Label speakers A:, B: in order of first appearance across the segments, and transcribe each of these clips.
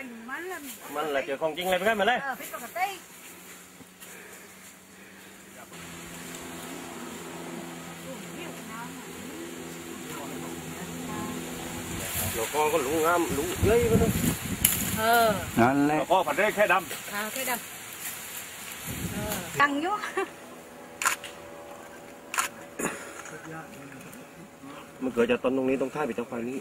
A: มันlà chuyện không chính lên cái mà đấy rồi con có lũ ngam lũ dưới nữa
B: นั่นแหละ
A: con phải đây khe đâm
C: khe đâm căng vô
A: มันเกิดจากต้นตรงนี้ตรงท้ายไปตรงไฟนี้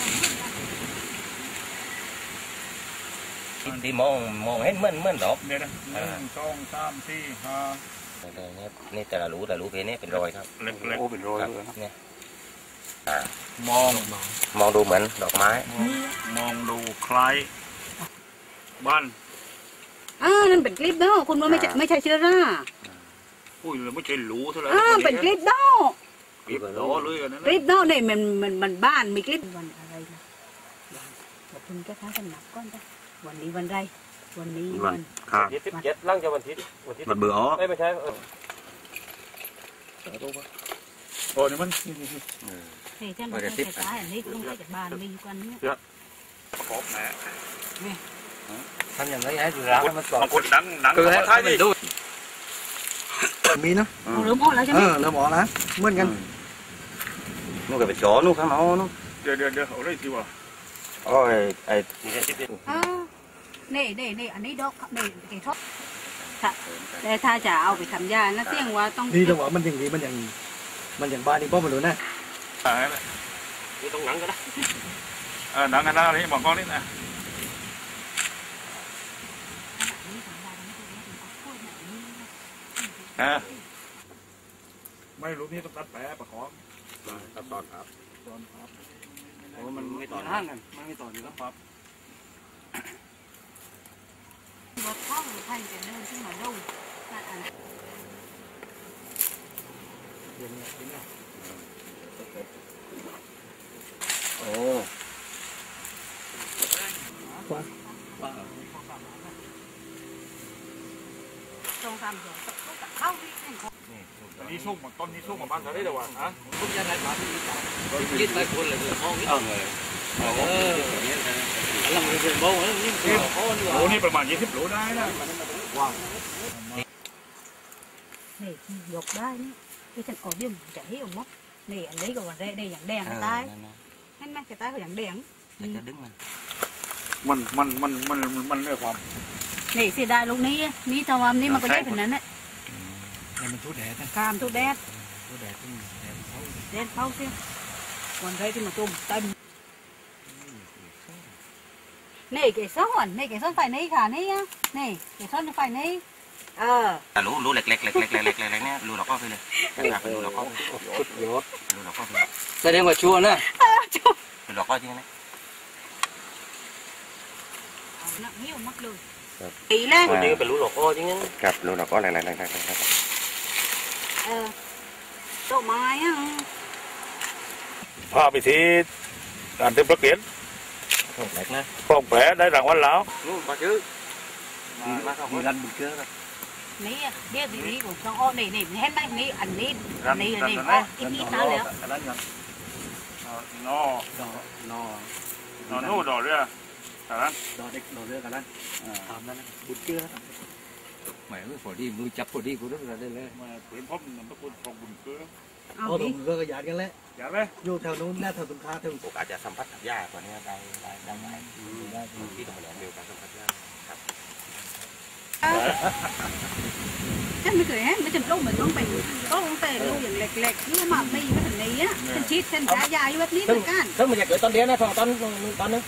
A: ที่มองเห็นเหมือนดอก
D: เนี่ยนะ1 2 3 4 5
A: นี่แต่ละรูเพนี้เป็นรอยครับ
D: เล็กๆโอ้เป็นรอยเลย
A: เนี่ย
D: มอง
A: ดูเหมือนดอกไม้
D: มองดูคล้ายบ้าน
C: นั่นเป็นคลิปเนาะคุณว่าไม่ใช่เชื้อรา
D: อุ้ยไม่ใช่หรูเท่าไหร่
C: เป็นคลิปเนาะ
D: คลิปล้อเลยกันนะ
C: คลิปเนาะเนี่ยมันบ้านมีคลิปวันอะไรนะวันคุณก็ท้ากันหนักก้อนจ้ะวันนี้วันไรวันนี้วัน
A: ที่17ล่างจะวันที่
B: มันเบื่อ
A: ไม่ใช่
D: โอ้นี่มัน
C: นี่ฉันไม่ใช่ตายอันนี้ต้องใช้จากบ้านมีอยู่กันเนี่ย
D: ขอบแหน
A: ทำอย่างไรให้ดูร้านมันสอน
D: คนดัง
A: คือให้ท้ายดิ
B: มีนะ
C: เริ่มออกแล้วใช่ไหม
B: เริ่มออกแล้วเหมือนกัน
A: นู่นก็เป็นจอนู่นข้างนอกนู่น
D: เดี๋ยวเอาได้สิวะ
A: โอ้ยไอ้
C: นี่อันนี้ดอกนี่เกี่ยวกับแต่ถ้าจะเอาไปทำยานะเสี่ยงว่าต้อง
B: ดีจังหวะมันอย่างบ้านนี่ป้อมมันรู้นะ
A: นี่ต้องหนังก็ได้
D: หนังกันได้นี่บอกก้อนนี่นะไม่รู้นี่ต้องตัดแผลประคอง
A: ตัดตอนครับ
D: โอ้มันไม่ต่อห้างกันมันไม่ต่ออยู่แล้วครับ
C: รถเข้าหรือใครจะเดินขึ้นมาดู
A: โอ้
C: ตรงตามหัวเข้าที่
D: นี่ส้มต้นนี้ส้มของบ้านเขาได้เดี๋ยวฮะ
A: ทุกอย่างไรบ้านที่คิดหลายคนเลยห้องนี้เลยเราไม่เป็นโบ้นี่
D: โอ้นี่ประมาณ20 โลได้นะว้าว
C: นี่ยกได้นี่ที่ฉันออกยิ่งจะให้อมดนี่อันนี้ก็วันแรกได้อย่างแดงตายเห็นไหมจะตายก็อย่างแดง
A: จะดึง
D: มันเรื่องความ
C: นี่เสียดายลูกนี้นี่ทว่านี่มันก็ได้เป็นนั้นแหละ
B: มันทุดแดด
C: กามทุดแดดแดดเผาเสียวันแรกที่มาตุ่มเต็มนี่เกสรนี่เกสรไฟนี้ค่ะนี่นี่เกสรไฟนี้
A: รู้เล็กเนี่ยรู้เราก็ไปเลยอยากรู้เราก็
B: ชุดยศ
A: รู้เราก็ไป
B: แสดงว่าชัวร์นะ
A: รู้เราก็จริงไหม
C: นักหิ้วมักเลยตีเลย
A: จริงเป็นรู้เราก็จริงครับรู้เราก็อะไร
C: ดอกไม้
D: พาไปที่การเต็มประเกียนฟองแผลได้รางวัลแล้ว
A: นู่นมาchứ
B: มีรันบุกเกอร์
C: นี่เดี๋ยวทีนี้ผมต้องอ้อนี่เห็นไหมนี่อันนี้ว่าอีกน้ำแล้ว
D: นอดอกเรือกันนั้น
B: ดอกเด็กดอกเรือกันนั้นทำนั่นบุกเกอร์หมายว่าพอดีมือจับพอดีกูต้องได้เลย
D: มาเห็นพบมันต้องของบุญเกลือ
B: บุญเกลือก็หยาดกันแล้ว
D: หยาดเลย
B: อยู่แถวนู้นแน่แถวตรงข้าแถว
A: โอกาสจะสัมผัสกับหญ้ากว่านี้ได้ที่ตรงนี้เดียวกันสัมผัสหญ้าครับ
C: ฉันไม่เคยเห็นไม่จำต้องเหมือนต้องไปต้องแต่ลูกอย่างเล็กๆนี่มาไม่มาถึงนี้อ่ะฉันชีดฉันฉายาอยู่แบบนี้เหมือนกัน
A: ซึ่งมันจะเกิดตอนเดียวนะตอนนึง